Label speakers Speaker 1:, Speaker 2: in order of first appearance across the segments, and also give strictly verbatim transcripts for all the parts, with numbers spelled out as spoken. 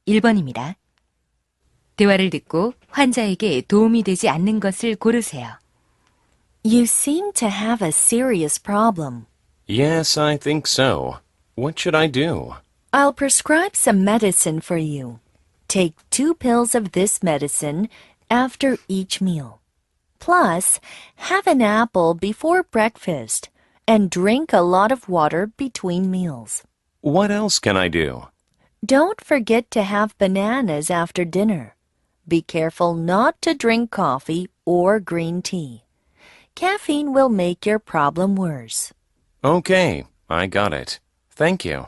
Speaker 1: 일 번입니다. 대화를 듣고 환자에게 도움이 되지 않는 것을 고르세요.
Speaker 2: You seem to have a serious problem.
Speaker 3: Yes, I think so. What should I do?
Speaker 2: I'll prescribe some medicine for you. Take two pills of this medicine after each meal. Plus, have an apple before breakfast and drink a lot of water between meals.
Speaker 3: What else can I do?
Speaker 2: Don't forget to have bananas after dinner. Be careful not to drink coffee or green tea. Caffeine will make your problem worse.
Speaker 3: Okay, I got it. Thank you.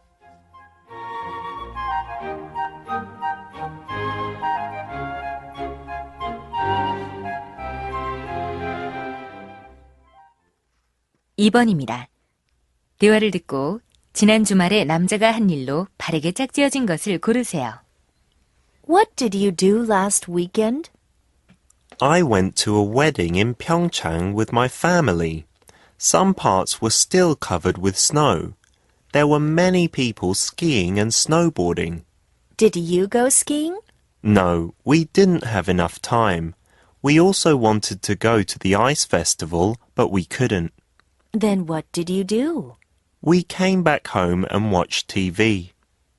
Speaker 1: 이 번입니다. 대화를 듣고 지난 주말에 남자가 한 일로 바르게 짝지어진 것을 고르세요.
Speaker 2: What did you do last weekend?
Speaker 4: I went to a wedding in Pyeongchang with my family. Some parts were still covered with snow. There were many people skiing and snowboarding.
Speaker 2: Did you go skiing?
Speaker 4: No, we didn't have enough time. We also wanted to go to the ice festival, but we couldn't.
Speaker 2: Then what did you do?
Speaker 4: We came back home and watched T V.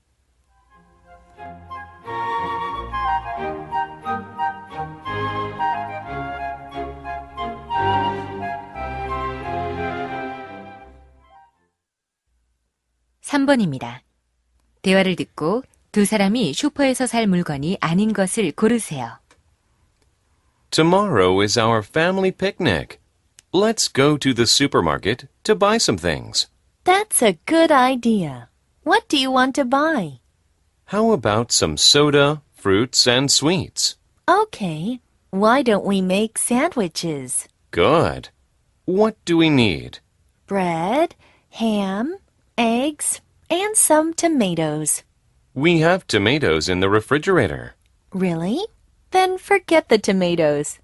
Speaker 1: 삼 번입니다. 대화를 듣고 두 사람이 슈퍼에서 살 물건이 아닌 것을 고르세요.
Speaker 3: Tomorrow is our family picnic. Let's go to the supermarket to buy some things.
Speaker 2: That's a good idea. What do you want to buy?
Speaker 3: How about some soda, fruits, and sweets?
Speaker 2: Okay. Why don't we make sandwiches?
Speaker 3: Good. What do we need?
Speaker 2: Bread, ham, eggs, and some tomatoes.
Speaker 3: We have tomatoes in the refrigerator.
Speaker 2: Really? Then forget the tomatoes.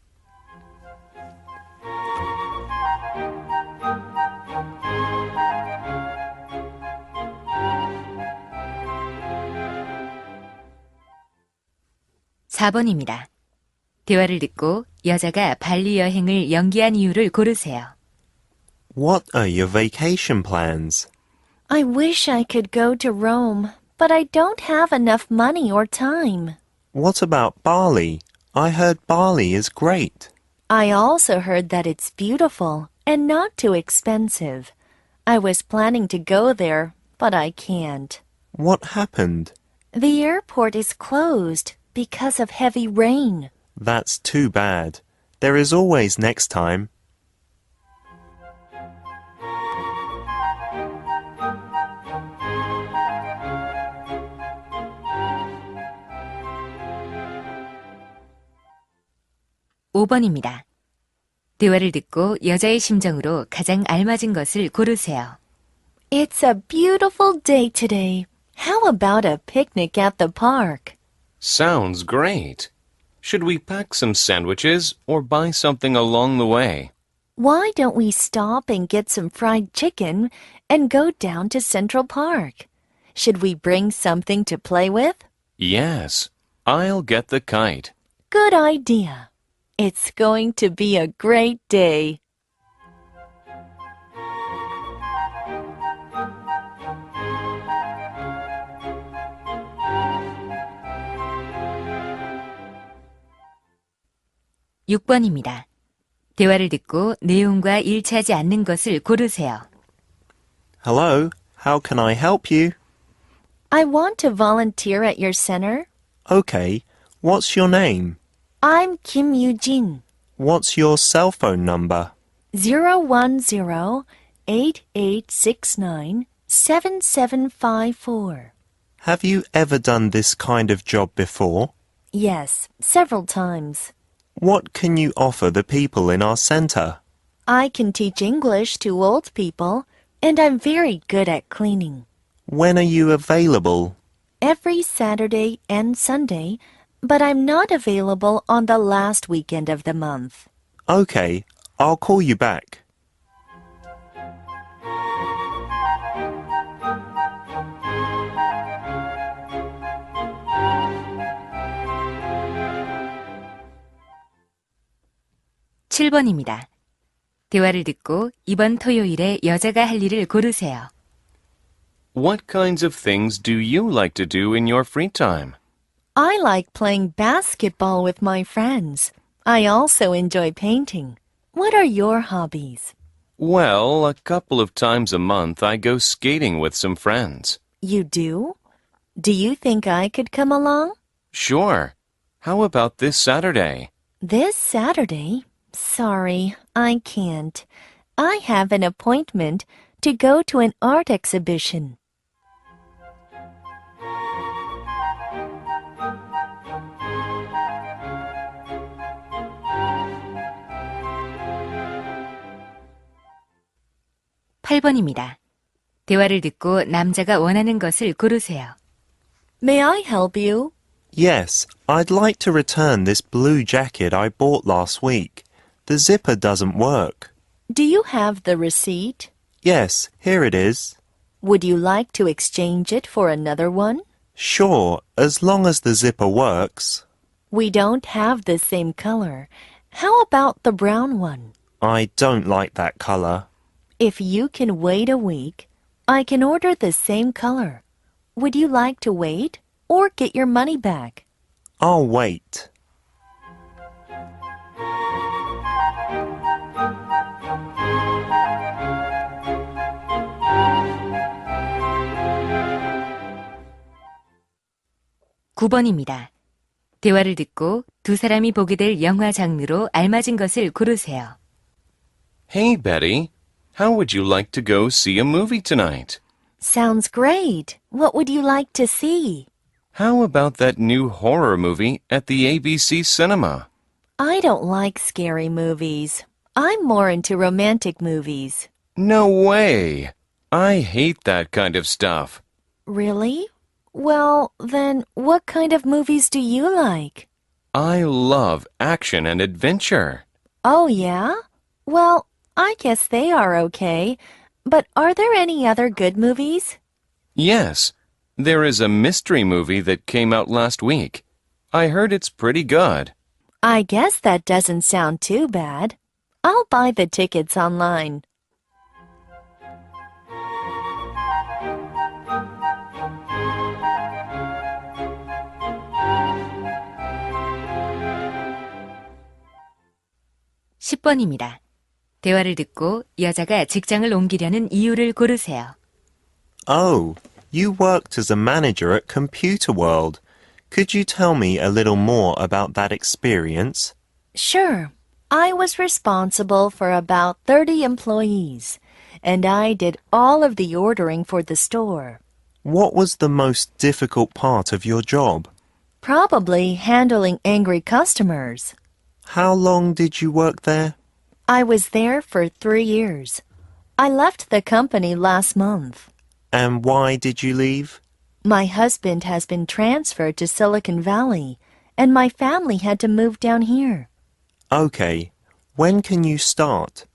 Speaker 1: 사 번입니다. 대화를 듣고 여자가 발리 여행을 연기한 이유를 고르세요.
Speaker 4: What are your vacation plans?
Speaker 2: I wish I could go to Rome, but I don't have enough money or time.
Speaker 4: What about Bali? I heard Bali is great.
Speaker 2: I also heard that it's beautiful and not too expensive. I was planning to go there, but I can't.
Speaker 4: What happened?
Speaker 2: The airport is closed because of heavy rain.
Speaker 4: That's too bad. There is always next time.
Speaker 1: 오 번입니다. 대화를 듣고 여자의 심정으로 가장 알맞은 것을 고르세요.
Speaker 2: It's a beautiful day today. How about a picnic at the park?
Speaker 3: Sounds great. Should we pack some sandwiches or buy something along the way?
Speaker 2: Why don't we stop and get some fried chicken and go down to Central Park? Should we bring something to play with?
Speaker 3: Yes, I'll get the kite.
Speaker 2: Good idea. It's going to be a great day.
Speaker 1: 육 번입니다. 대화를 듣고 내용과 일치하지 않는 것을 고르세요.
Speaker 4: Hello, how can I help you?
Speaker 2: I want to volunteer at your center.
Speaker 4: Okay, what's your name?
Speaker 2: I'm Kim Yoo-jin.
Speaker 4: What's your cell phone number?
Speaker 2: zero one zero, eight eight six nine, seven seven five four.
Speaker 4: Have you ever done this kind of job before?
Speaker 2: Yes, several times.
Speaker 4: What can you offer the people in our center?
Speaker 2: I can teach English to old people, and I'm very good at cleaning.
Speaker 4: When are you available?
Speaker 2: Every Saturday and Sunday, but I'm not available on the last weekend of the month.
Speaker 4: Okay, I'll call you back.
Speaker 1: 칠 번입니다. 대화를 듣고 이번 토요일에 여자가 할 일을 고르세요.
Speaker 3: What kinds of things do you like to do in your free time?
Speaker 2: I like playing basketball with my friends. I also enjoy painting. What are your hobbies?
Speaker 3: Well, a couple of times a month I go skating with some friends.
Speaker 2: You do? Do you think I could come along?
Speaker 3: Sure. How about this Saturday?
Speaker 2: This Saturday? Sorry, I can't. I have an appointment to go to an art exhibition.
Speaker 1: 팔 번입니다. 대화를 듣고 남자가 원하는 것을 고르세요.
Speaker 2: May I help you?
Speaker 4: Yes, I'd like to return this blue jacket I bought last week. The zipper doesn't work.
Speaker 2: Do you have the receipt?
Speaker 4: Yes, here it is.
Speaker 2: Would you like to exchange it for another one?
Speaker 4: Sure, as long as the zipper works.
Speaker 2: We don't have the same color. How about the brown one?
Speaker 4: I don't like that color.
Speaker 2: If you can wait a week, I can order the same color. Would you like to wait or get your money back?
Speaker 4: I'll wait.
Speaker 1: 구 번입니다. 대화를 듣고 두 사람이 보게 될 영화 장르로 알맞은 것을 고르세요.
Speaker 3: Hey, Betty. How would you like to go see a movie tonight?
Speaker 2: Sounds great. What would you like to see?
Speaker 3: How about that new horror movie at the A B C Cinema?
Speaker 2: I don't like scary movies. I'm more into romantic movies.
Speaker 3: No way! I hate that kind of stuff.
Speaker 2: Really? Well, then, what kind of movies do you like?
Speaker 3: I love action and adventure.
Speaker 2: Oh, yeah? Well, I guess they are okay. But are there any other good movies?
Speaker 3: Yes, there is a mystery movie that came out last week. I heard it's pretty good.
Speaker 2: I guess that doesn't sound too bad. I'll buy the tickets online.
Speaker 1: 십 번입니다. 대화를 듣고 여자가 직장을 옮기려는 이유를 고르세요.
Speaker 4: Oh, you worked as a manager at Computer World. Could you tell me a little more about that experience?
Speaker 2: Sure. I was responsible for about thirty employees, and I did all of the ordering for the store.
Speaker 4: What was the most difficult part of your job?
Speaker 2: Probably handling angry customers.
Speaker 4: How long did you work there?
Speaker 2: I was there for three years. I left the company last month.
Speaker 4: And why did you leave?
Speaker 2: My husband has been transferred to Silicon Valley, and my family had to move down here.
Speaker 4: Okay, when can you start?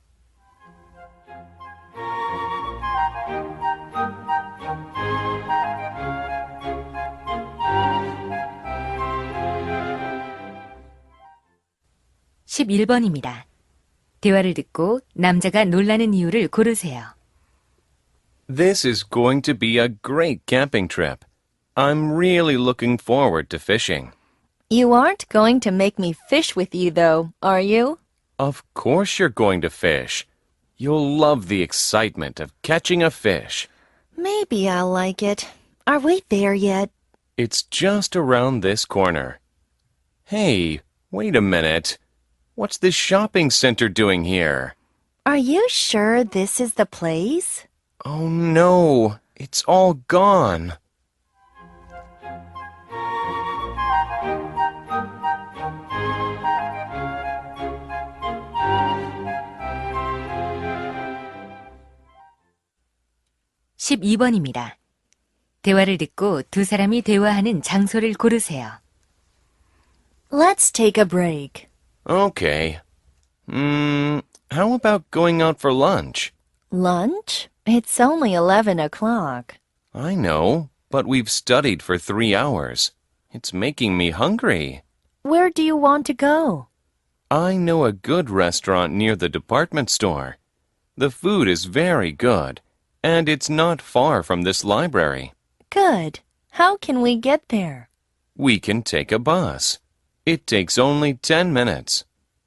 Speaker 1: 십일 번입니다. 대화를 듣고 남자가 놀라는 이유를 고르세요.
Speaker 3: This is going to be a great camping trip. I'm really looking forward to fishing.
Speaker 2: You aren't going to make me fish with you, though, are you?
Speaker 3: Of course you're going to fish. You'll love the excitement of catching a fish.
Speaker 2: Maybe I'll like it. Are we there yet?
Speaker 3: It's just around this corner. Hey, wait a minute. What's this shopping center doing here?
Speaker 2: Are you sure this is the place?
Speaker 3: Oh no, it's all gone.
Speaker 1: 십이 번입니다. 대화를 듣고 두 사람이 대화하는 장소를 고르세요.
Speaker 2: Let's take a break.
Speaker 3: Okay. Hmm, how about going out for lunch?
Speaker 2: Lunch? It's only eleven o'clock.
Speaker 3: I know, but we've studied for three hours. It's making me hungry.
Speaker 2: Where do you want to go?
Speaker 3: I know a good restaurant near the department store. The food is very good, and it's not far from this library.
Speaker 2: Good. How can we get there?
Speaker 3: We can take a bus. It takes only ten minutes.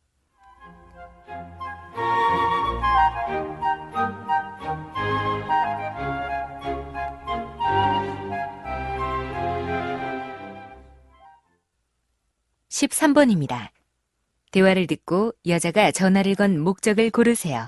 Speaker 1: 십삼 번입니다. 대화를 듣고 여자가 전화를 건 목적을 고르세요.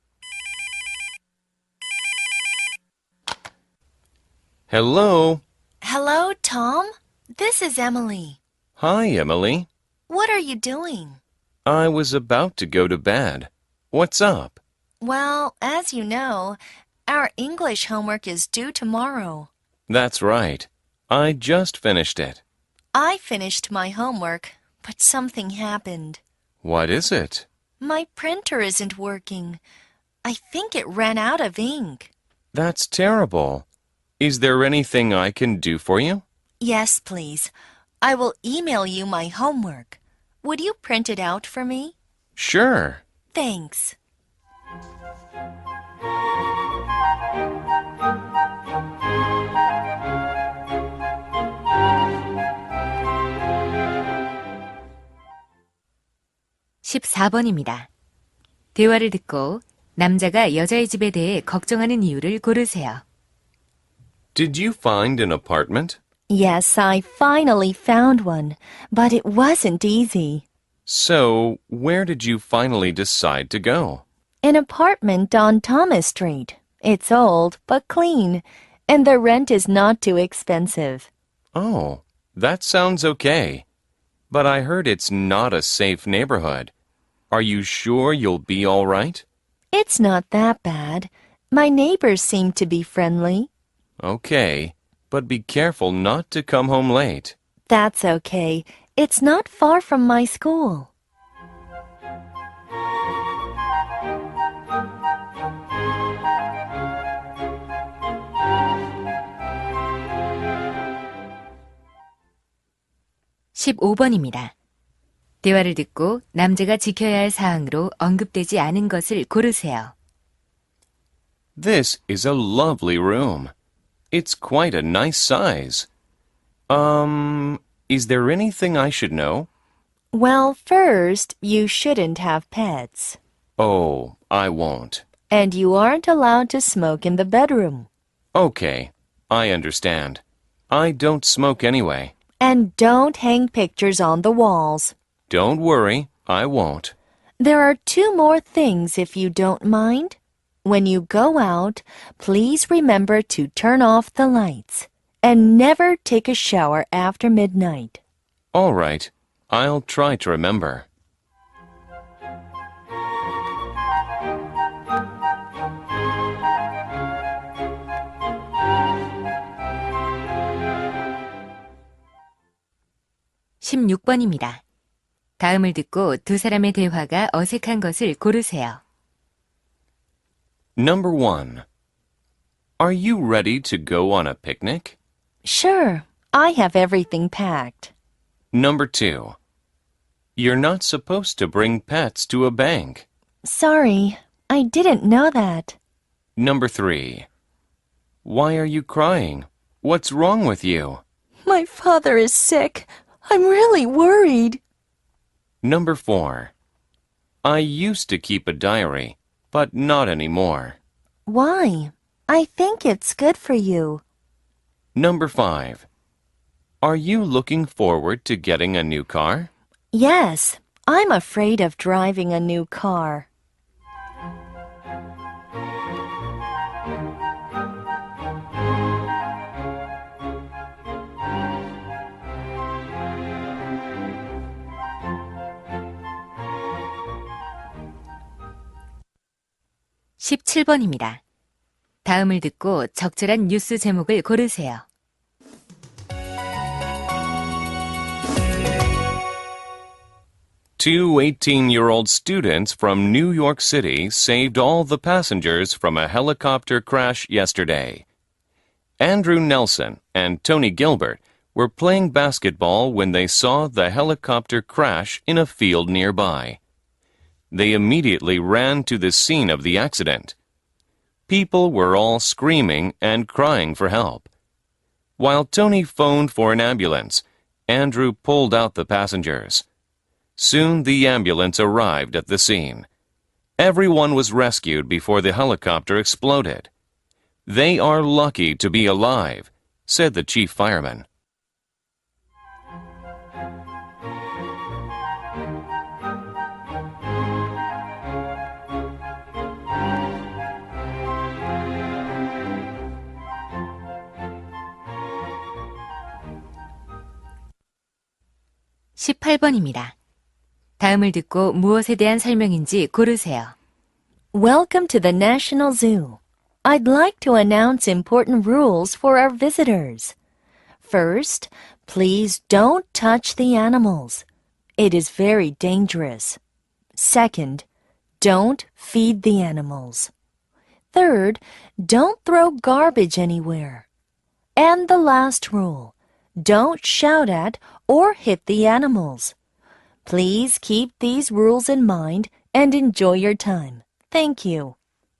Speaker 3: Hello.
Speaker 2: Hello, Tom. This is Emily.
Speaker 3: Hi, Emily.
Speaker 2: What are you doing?
Speaker 3: I was about to go to bed. What's up?
Speaker 2: Well, as you know, our English homework is due tomorrow.
Speaker 3: That's right. I just finished it.
Speaker 2: I finished my homework, but something happened.
Speaker 3: What is it?
Speaker 2: My printer isn't working. I think it ran out of ink.
Speaker 3: That's terrible. Is there anything I can do for you?
Speaker 2: Yes, please. I will email you my homework. Would you print it out for me?
Speaker 3: Sure.
Speaker 2: Thanks.
Speaker 1: 십사 번입니다. 대화를 듣고 남자가 여자의 집에 대해 걱정하는 이유를 고르세요.
Speaker 3: Did you find an apartment?
Speaker 2: Yes, I finally found one, but it wasn't easy.
Speaker 3: So, where did you finally decide to go?
Speaker 2: An apartment on Thomas Street. It's old, but clean, and the rent is not too expensive.
Speaker 3: Oh, that sounds okay. But I heard it's not a safe neighborhood. Are you sure you'll be all right?
Speaker 2: It's not that bad. My neighbors seem to be friendly.
Speaker 3: Okay, but be careful not to come home late.
Speaker 2: That's okay. It's not far from my school.
Speaker 1: 십오 번입니다. 대화를 듣고 남자가 지켜야 할 사항으로 언급되지 않은 것을 고르세요.
Speaker 3: This is a lovely room. It's quite a nice size. Um, is there anything I should know?
Speaker 2: Well, first, you shouldn't have pets.
Speaker 3: Oh, I won't.
Speaker 2: And you aren't allowed to smoke in the bedroom.
Speaker 3: Okay, I understand. I don't smoke anyway.
Speaker 2: And don't hang pictures on the walls.
Speaker 3: Don't worry, I won't.
Speaker 2: There are two more things if you don't mind. When you go out, please remember to turn off the lights and never take a shower after midnight.
Speaker 3: All right, I'll try to remember.
Speaker 1: 십육 번입니다. 다음을 듣고 두 사람의 대화가 어색한 것을 고르세요.
Speaker 3: Number one. Are you ready to go on a picnic?
Speaker 2: Sure, I have everything packed.
Speaker 3: Number two. You're not supposed to bring pets to a bank.
Speaker 2: Sorry, I didn't know that.
Speaker 3: Number three. Why are you crying? What's wrong with you?
Speaker 2: My father is sick. I'm really worried.
Speaker 3: Number four. I used to keep a diary, but not anymore.
Speaker 2: Why? I think it's good for you.
Speaker 3: Number five. Are you looking forward to getting a new car?
Speaker 2: Yes, I'm afraid of driving a new car.
Speaker 1: 십칠 번입니다. 다음을 듣고 적절한 뉴스 제목을 고르세요.
Speaker 3: Two eighteen-year-old students from New York City saved all the passengers from a helicopter crash yesterday. Andrew Nelson and Tony Gilbert were playing basketball when they saw the helicopter crash in a field nearby. They immediately ran to the scene of the accident. People were all screaming and crying for help. While Tony phoned for an ambulance, Andrew pulled out the passengers. Soon the ambulance arrived at the scene. Everyone was rescued before the helicopter exploded. "They are lucky to be alive," said the chief fireman.
Speaker 1: 십팔 번입니다. 다음을 듣고 무엇에 대한 설명인지 고르세요.
Speaker 2: Welcome to the National Zoo. I'd like to announce important rules for our visitors. First, please don't touch the animals. It is very dangerous. Second, don't feed the animals. Third, don't throw garbage anywhere. And the last rule, don't shout at or hit the animals. Please keep these rules in mind and enjoy your time. Thank you.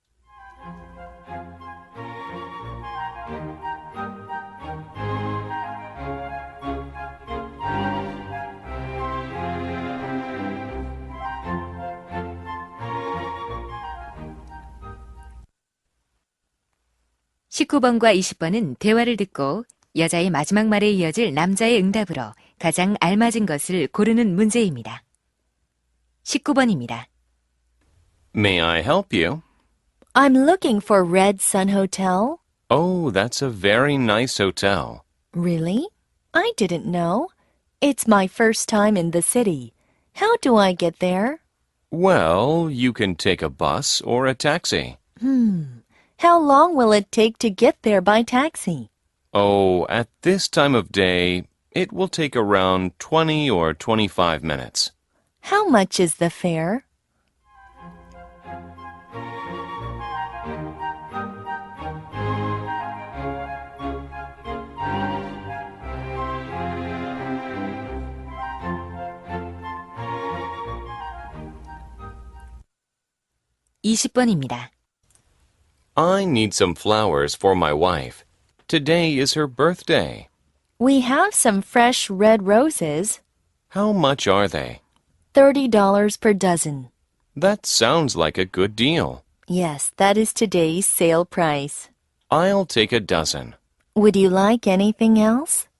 Speaker 1: 십구 번과 이십 번은 대화를 듣고 여자의 마지막 말에 이어질 남자의 응답으로 가장 알맞은 것을 고르는 문제입니다. 십구 번입니다.
Speaker 3: May I help you?
Speaker 2: I'm looking for Red Sun Hotel.
Speaker 3: Oh, that's a very nice hotel.
Speaker 2: Really? I didn't know. It's my first time in the city. How do I get there?
Speaker 3: Well, you can take a bus or a taxi.
Speaker 2: Hmm. How long will it take to get there by taxi?
Speaker 3: Oh, at this time of day, it will take around twenty or twenty-five minutes.
Speaker 2: How much is the fare?
Speaker 1: 이십 번입니다.
Speaker 3: I need some flowers for my wife. Today is her birthday.
Speaker 2: We have some fresh red roses.
Speaker 3: How much are they?
Speaker 2: thirty dollars per dozen.
Speaker 3: That sounds like a good deal.
Speaker 2: Yes, that is today's sale price.
Speaker 3: I'll take a dozen.
Speaker 2: Would you like anything else?